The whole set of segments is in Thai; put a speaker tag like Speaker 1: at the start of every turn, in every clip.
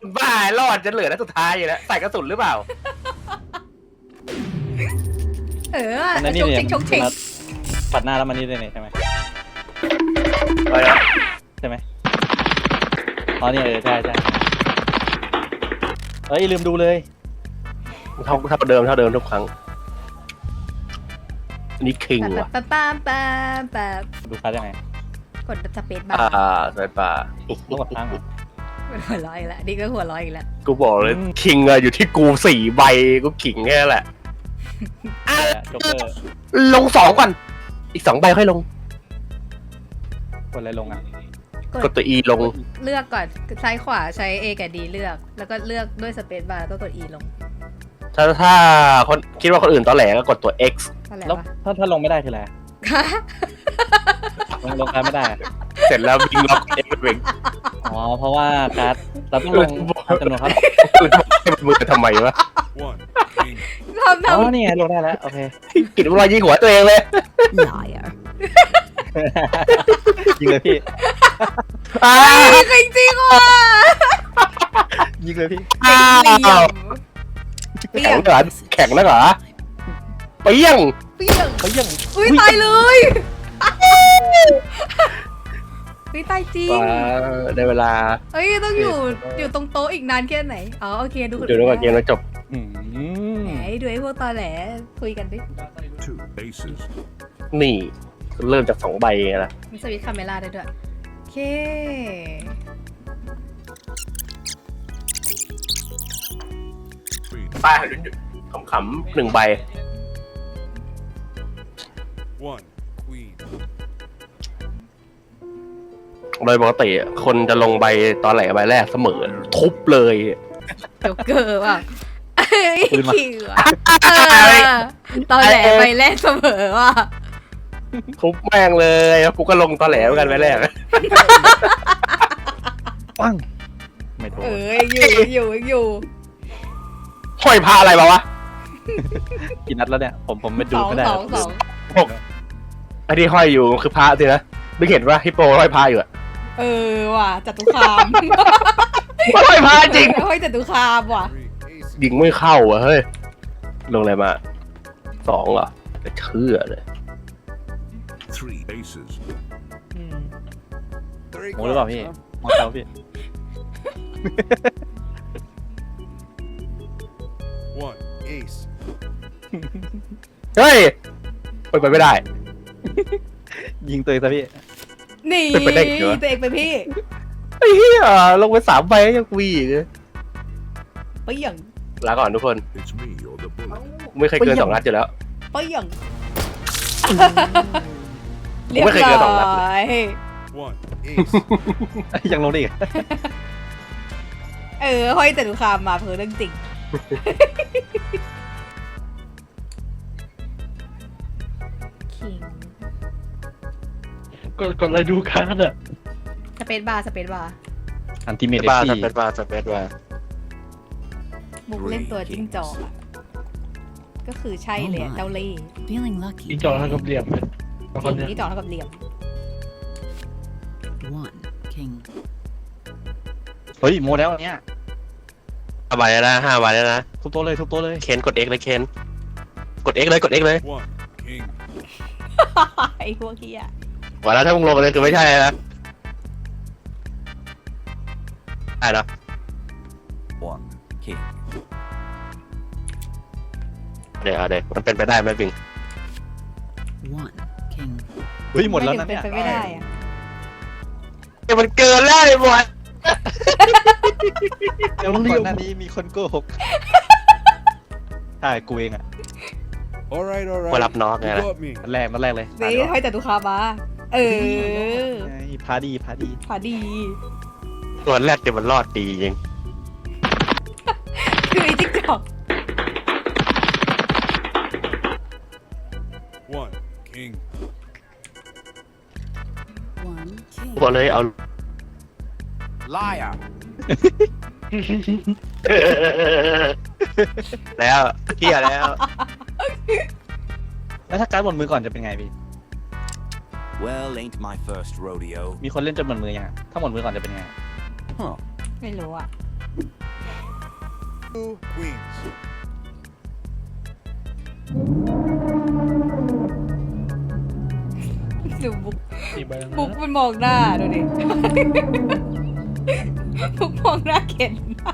Speaker 1: บ้ารอดจะเหลือนัดสุดท้ายอยู่แล้วใส่กระสุนหรือเปล่า
Speaker 2: อันนี้
Speaker 3: ชก
Speaker 2: เนี่ย
Speaker 3: ชิงชกชิง
Speaker 2: ปัดหน้าแล้วมันนี่ได้เนี่ยใช่ไหม
Speaker 1: ไปแล้ว
Speaker 2: ใช่ไหมอ๋อเนี่ยใช่เอ้ยลืมดูเลย
Speaker 1: เท่าเดิมทุกครั้งอันนี้คิงว่ะ
Speaker 2: ดูคัสยังไง
Speaker 3: กดสเปซบาร์
Speaker 1: สายป่า
Speaker 2: ต้องกดค้างเหรอ
Speaker 3: หัวร้อยละนี่ก็หัวร้อยอีกแล้ว
Speaker 1: กูบอกเลยคิงอะอยู่ที่กู4 ใบกูขิงแค่แหละ
Speaker 2: โจ๊กเกอร์
Speaker 1: ลง2ก่อนอีก2 ใบค่อยลง
Speaker 2: กดอะไรลงอ่ะ
Speaker 1: กดตัว E ลง
Speaker 3: เลือกก่อนซ้ายขวาใช้ A กับ D เลือก แล้วก็เลือกด้วยสเปซบาร์แล้วก็กด E ลง
Speaker 1: ถ้าคนคิดว่าคนอื่นตอแหลก็กดตัว X
Speaker 3: อะไร
Speaker 2: แล้ว
Speaker 3: วะ
Speaker 2: ถ้าลงไม่ได้คืออะไรลงการดไม่ได้อะ
Speaker 1: เสร็จแล้ววิ่งล็อก X เป็นเวง
Speaker 2: อ๋อเพราะว่าการ์ดเราต้องลงจำนวนครับ
Speaker 1: อื่นให้มันมือทำไมวะ
Speaker 4: One king.
Speaker 3: ทำ
Speaker 2: อ๋อนี่ไงลงได้แล้วโอเค
Speaker 1: กินรอยยิงหัวตัวเองเลย
Speaker 3: liar
Speaker 2: ยิงเลยพี่
Speaker 3: จริงว่ะ
Speaker 2: ยิงเลยพี่
Speaker 1: อ้าว
Speaker 3: เปีย
Speaker 1: แข็ง
Speaker 3: ง
Speaker 1: เหรอแข็งนะเหรอเปี้ยง
Speaker 3: เปียง
Speaker 2: เขายัง
Speaker 3: อุ้ยตายเลยอุ้ยตายจริง
Speaker 1: ได้เวลา
Speaker 3: เอ้ยต้องอยู่ตรงโต๊ะอีกนานแค่ไหนอ๋อโอเคดูคน
Speaker 1: เดี๋ยวดูก่อนเกมแล้วจบ
Speaker 3: ไหนดูไอ้พวกตอแหลคุยกันดิ
Speaker 4: Two aces.
Speaker 1: นี่เริ่มจาก2 ใบไงล่ะ
Speaker 3: มีสวิตช์คาเมล่าได้ด้วยโอเค
Speaker 4: Queen.
Speaker 1: ป้าขำๆ1 ใบ
Speaker 4: One queen.
Speaker 1: โดยปกติคนจะลงใบตอนแหลใบแรกเสมอทุบเลย
Speaker 3: โจ๊กเกอร์ว่ะเอ้ย
Speaker 2: ปืนมา
Speaker 3: ขิงว่ะตอแหลไปแรกเสมอว่ะ
Speaker 1: ทุบแม่งเลยกูก็ลงตอนแหลเหมือนกันใบแรก
Speaker 2: ปังไม่โดน
Speaker 3: อยู่
Speaker 1: ห้อยพาอะไรมาวะ
Speaker 2: กี่นัดแล้วเนี่ยผมไม่
Speaker 3: ส
Speaker 2: ดู
Speaker 3: อง
Speaker 2: ไม่ได้
Speaker 3: สอง
Speaker 1: ไอ้ที่ห้อยอยู่คือพระสินะไม่เห็นว่าฮิปโปห้อยพาอยู่อะ
Speaker 3: ว่ะจตุคาม
Speaker 1: ห้อยพาจริง
Speaker 3: ห้อยจตุคามว่ะ
Speaker 4: Three aces.
Speaker 1: ยิงไม่เข้าอะเฮ้ยลงอะไรมา2เหรอจะเชื่อเลย
Speaker 4: Three aces.
Speaker 2: โมหรือเปล่าพี่มองเตาพี่
Speaker 4: One ace.
Speaker 1: เฮ้ยเป็นไปไม่ได้
Speaker 2: ยิงตัวเองซะพี่
Speaker 3: นี่
Speaker 1: เป็นไปได้เหรอ
Speaker 3: ตัวเองเป็นพี่
Speaker 1: ไอ้เหี้ยลงไป3 ใบยังวีอีกเลย
Speaker 3: ไปอย่าง
Speaker 1: ลาก่อนทุกคน
Speaker 4: It's me or the bullet.
Speaker 1: ไม่เคยเกิน2 นัดอยู่แล้ว
Speaker 3: ไปอย่าง
Speaker 1: ผมไม่เคยเกิน2 นัดเลย
Speaker 4: One ace.
Speaker 2: ยังลงได้อีก
Speaker 3: ห้อยจตุคามมาเพื่อเรื่องจริงคิง
Speaker 2: กดอะไรดูการ์ดอะ
Speaker 3: สเปซบาร์
Speaker 2: อันติเมต
Speaker 1: บ้า
Speaker 2: ที่
Speaker 1: สเปซบ้าสเปซบ้า
Speaker 3: บุกเล่นตัวจิ้งจอกอ่ะ ก็คือใช่เลยอะเจ้าเล่ห์
Speaker 5: Feeling lucky.
Speaker 2: ยิงจอเท่ากับเหลี่ยมเลย
Speaker 3: จริงนี่จอกเท่ากับเหลี่ยม
Speaker 5: One king.
Speaker 2: เฮ้ยโมแล้วอันเนี้ย
Speaker 1: 5 ใบแล้วนะ5 ใบแล้วนะ
Speaker 2: ทุบโต๊ะเลยทุบโต๊ะเลย
Speaker 1: เคนกด X เลยเคนกด X เลยกด X เลย
Speaker 4: One king.
Speaker 3: ไอ้พวกเฮีย
Speaker 1: ว่าแล้วถ้ามึงลงไปเลยคือไม่ใช่นะได้เนาะ
Speaker 5: One king.
Speaker 1: เดี๋ยวมันเป็นไปได้ไหมบิง
Speaker 5: One king.
Speaker 2: เฮ้ยหมดแล้วนะ
Speaker 3: เป็
Speaker 2: เนี่ย
Speaker 3: นไปไม่ได้อะ
Speaker 1: เดี๋ยวมันเกินแล้วไอ้บอย
Speaker 2: เดี๋ยวก่อนหน้านี้มีคนโกหกใช่กูเองอะ
Speaker 4: All right, all right.
Speaker 1: มารับน้องไง
Speaker 4: You
Speaker 1: ล่ะ
Speaker 4: got me.
Speaker 2: นัดแรกเลย
Speaker 3: นี่ห้อยจตุคามมา
Speaker 2: พาดี
Speaker 3: พาดี
Speaker 1: ตัวแรกเดี๋ยวมันรอดดีจริง
Speaker 3: คือไอ้จิ้งจอก
Speaker 4: One king.
Speaker 5: One king.
Speaker 1: บอกเลยเอา
Speaker 4: Liar.
Speaker 1: แล้วเที่ยแล้ว
Speaker 2: แล้วถ้าการ์ดหมดมือก่อนจะเป็นไงพี่
Speaker 6: Well, ain't my first rodeo.
Speaker 2: มีคนเล่นจนหมดมือยังอะถ้าหมดมือก่อนจะเป็นไง
Speaker 6: Huh.
Speaker 3: ไม่รู้อ่ะ
Speaker 4: Two queens.
Speaker 3: ดูบุ๊ก
Speaker 7: กี่ใบแล้วนะ
Speaker 3: บุ๊กมันมองหน้าดูดิ บุ๊กมองหน้าเข็น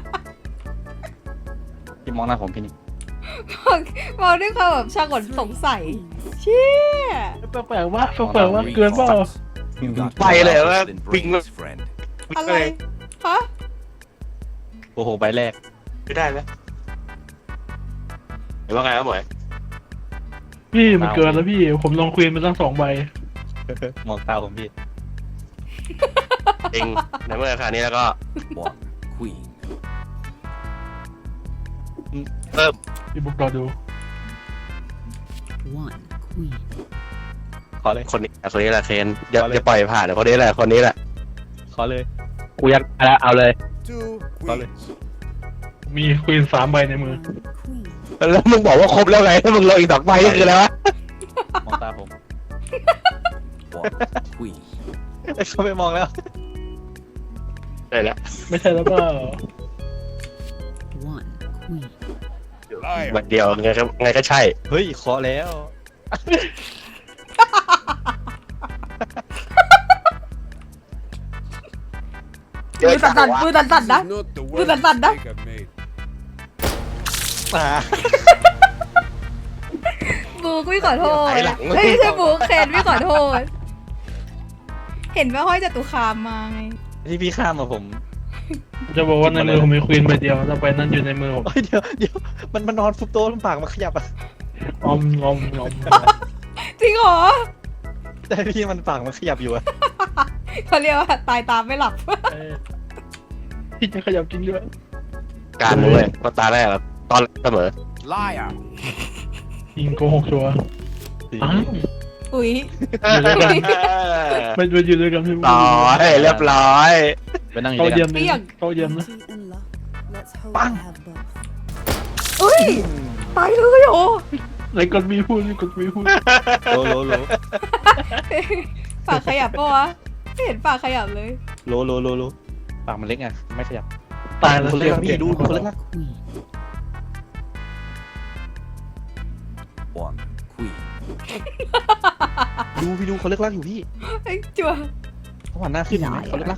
Speaker 2: พี่มองหน้าผมพี่นิก
Speaker 3: มองด้วยความแบบช่างกลสงสัย เชี่ย
Speaker 7: แปลกๆว่าแปลกๆว่าเกินเปล่า
Speaker 6: Got
Speaker 1: ไปเลยว่า
Speaker 6: lost in
Speaker 1: ปิง
Speaker 6: brains, friend.
Speaker 3: อะไร ฮะ
Speaker 2: โอ้โหใบแรก
Speaker 1: ไม่ได้ไหมเห็นว่าไงครับหมวย
Speaker 7: พี่มันเกินแล้วพี่ผมลองควีนมาตั้ง2 ใบ
Speaker 2: มองตาผมพี่
Speaker 1: เองในเมื่อราคานี้แล้วก็
Speaker 6: One queen.
Speaker 1: เริ่ม
Speaker 7: พี่บุ๊กรอดู
Speaker 5: One queen.
Speaker 2: ขอเลย
Speaker 1: คนนี้แหละเคนอย่าปล่อยผ่านเดี๋ยวคนนี้แหละคนนี้แหละ
Speaker 2: ขอเลย
Speaker 1: กูยัดไปแล้วเอาเลย
Speaker 4: Two
Speaker 2: Vale.
Speaker 4: queens.
Speaker 7: มีควีน3 ใบในมือ
Speaker 5: Queen.
Speaker 1: แล้วมึงบอกว่าครบแล้วไงถ้ามึงลงอีก2 ใบนี่คืออะไรวะ
Speaker 2: มองตาผม
Speaker 6: One queen.
Speaker 2: เขาไม่มองแล้ว
Speaker 1: ได้แล้ว
Speaker 7: ไม่ใช่แล้วเปล่า
Speaker 5: One queen.
Speaker 1: ใบเดียวไงก็ใช่
Speaker 2: เฮ้ยขอแล้ว
Speaker 3: มือสั่นๆมือสั่นๆนะ
Speaker 4: This is not the
Speaker 3: Look
Speaker 4: worst
Speaker 3: at that, that.
Speaker 4: mistake I've made.
Speaker 2: มา
Speaker 3: บุ๊กพี่ขอโทษ
Speaker 1: ไอ้หลัง
Speaker 3: เฮ้ยไม่ใช่บุ๊กเคนพี่ขอโทษ เห็นว่าห้อยจตุคามมาไง
Speaker 2: ที่พี่ข้ามมาผม
Speaker 7: จะบอกว่าในมือผมมีควีนใบเดียวแล้วใบนั้นอยู่ในมือผม
Speaker 2: เฮ้ยเดี๋ยวมันมานอนฟุบโต๊ะลำปากมาขยับอ่ะ
Speaker 7: ออม
Speaker 3: จริงเหรอ
Speaker 2: แต่พี่มันปากมันขยับอยู่อ่ะ
Speaker 3: เขาเรียกว่าตายตามไม่หลับ
Speaker 7: เอ้ยพี่จะขยับจริงด้วย
Speaker 1: การนู้นเลยเพราะตาแรกอะตอนเสมอ
Speaker 4: Liar.
Speaker 7: ยิงโกหกชัวร์อ้าว
Speaker 3: อุ๊ย
Speaker 7: ไม่ไปอยู่ด้วยกันพี่บุ๊ก
Speaker 1: ร้อยเรียบร้อย
Speaker 2: ไปนั่งอยู่
Speaker 7: โต๊ะ
Speaker 2: ด้วย
Speaker 7: เยี่
Speaker 2: กั
Speaker 7: ย
Speaker 2: น
Speaker 7: มนะโต๊ะเยี่ยมนะ
Speaker 5: Plenty and luck. Let's hope
Speaker 2: Bang.
Speaker 5: I have both.
Speaker 3: อุ้ย ตายเลยโอ้
Speaker 7: ไหนกดมีพูดนี่กดมีพูด
Speaker 2: โล
Speaker 3: ปากขยับปะวะไม่เห็นปากขยับเลย
Speaker 2: โลปากมันเล็กไงไม่ขยับ
Speaker 7: ตายแล้ว
Speaker 2: คนเล็กอะพี่ดูคนเล็กนะ
Speaker 5: Queen.
Speaker 6: One queen.
Speaker 2: ดูพี่ดูเขาเล็กลักอยู่พี่
Speaker 3: ไอ้จัว
Speaker 2: เขาหันหน้าขึ้นเห็นไหมเขาเล็กลัก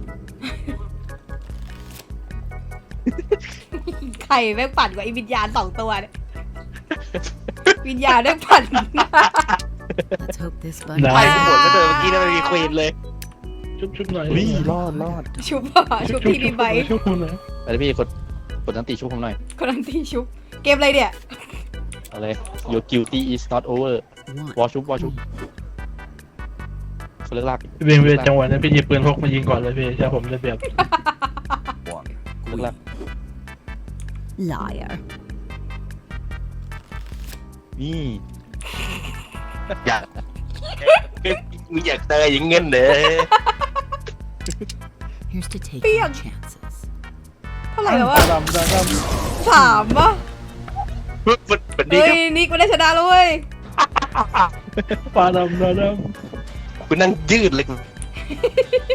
Speaker 3: ไข่แม่งปั่นกว่าไอ้วิญญาณ2 ตัวเนี่ย วิญญาณแม่งปั่น
Speaker 5: Let's hope this
Speaker 7: ได้
Speaker 1: ไป
Speaker 5: bunny.
Speaker 1: หมดก็เจอเมื่อกี้นั่นไม่มีควีนเลย
Speaker 7: ชุบหน่อย
Speaker 2: วิ่รอด
Speaker 3: ชุบป่ะชุบทีดีไบ
Speaker 7: ชุบคุณหน่อย
Speaker 2: ไปเลยพี่กดนันตีชุบผมหน่อย
Speaker 3: คนนั้นทีชุบ เกมอะไรเนี่ย
Speaker 2: เอาเลย Your guilty is not over
Speaker 5: One.
Speaker 2: วอชุบเขาเล็กลัก
Speaker 7: พี่เบนเวทจังหวะนั้นพี่หยิบปืนพกมายิงก่อนเลยพี่ใช่ผมจะเปรียบ
Speaker 6: One
Speaker 2: เล็กลัก
Speaker 5: Liar.
Speaker 2: นี่
Speaker 1: อยากมึงอยากเจออย่างเงี้ยเลย
Speaker 5: Here's to take
Speaker 3: Bing.
Speaker 5: your chances.
Speaker 3: เท่าไหร่แล้ววะ
Speaker 7: ดำ
Speaker 3: 3 ป่ะ
Speaker 1: มันดี
Speaker 3: เฮ้
Speaker 1: ก็
Speaker 3: ยนิกมันได้ชนะแล้วเว้ย
Speaker 7: ปลาดำ
Speaker 1: กูนั่งยืดเลย